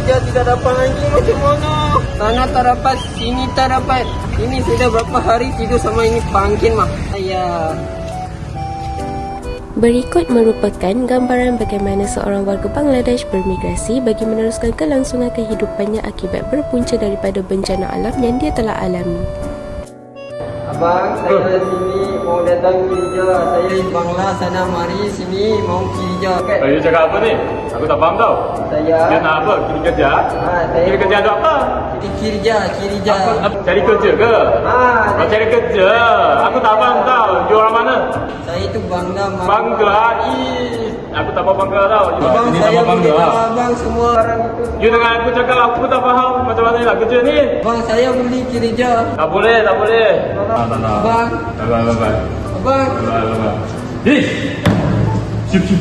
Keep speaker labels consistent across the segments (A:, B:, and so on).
A: kerja tidak dapat lagi, macam mana? Sana tak dapat, sini tak dapat. Ini sudah berapa hari tidur sama ini pangkin mah. Ayah.
B: Berikut merupakan gambaran bagaimana seorang warga Bangladesh bermigrasi bagi meneruskan kelangsungan kehidupannya akibat berpunca daripada bencana alam yang dia telah alami.
A: Abang, saya sini mau datang kerja. Saya di Bangla sana mari sini mau kerja.
C: You cakap apa ni? Aku tak faham tau.
A: Saya
C: Dia nak apa? Kiri kerja?
A: saya
C: Kiri kerja untuk apa?
A: kerja.
C: Apa? Cari kerja ke? Kau cari kerja? Aku tak faham tau. You orang mana?
A: Saya itu Bangla.
C: Bangla. Aku tak faham Bangla tau.
A: Abang,
C: Ini
A: saya
C: nama
A: boleh
C: Bangla.
A: tahu abang semua orang itu.
C: You dengar aku cakap, aku tak faham macam mana nak kerja ni.
A: Abang, saya boleh kerja.
C: Tak boleh, tak boleh. Tak.
A: Abang,
C: Bye.
A: abang.
C: Ish! Cip.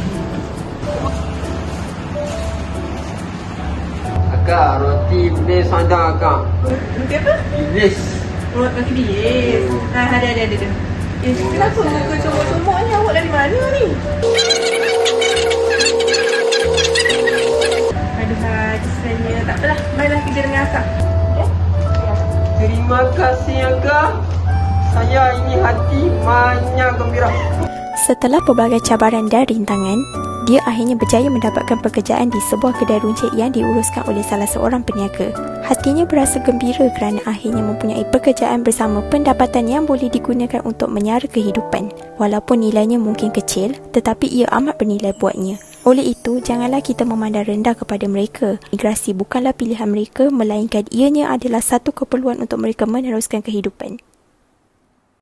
A: Akak, roti iblis ada akak.
D: Roti apa?
A: Iblis.
D: Roti bilis. Ada. Kenapa muka comok-comok ni? Awak dari mana ni? Aduh, rasanya. Tak apalah. Baiklah kerja dengan akak. Ya?
A: Terima kasih akak. Saya ini hati banyak gembira.
E: Setelah pelbagai cabaran dan rintangan, dia akhirnya berjaya mendapatkan pekerjaan di sebuah kedai runcit yang diuruskan oleh salah seorang peniaga. Hatinya berasa gembira kerana akhirnya mempunyai pekerjaan bersama pendapatan yang boleh digunakan untuk menyara kehidupan. Walaupun nilainya mungkin kecil, tetapi ia amat bernilai buatnya. Oleh itu, janganlah kita memandang rendah kepada mereka. Migrasi bukanlah pilihan mereka, melainkan ianya adalah satu keperluan untuk mereka meneruskan kehidupan.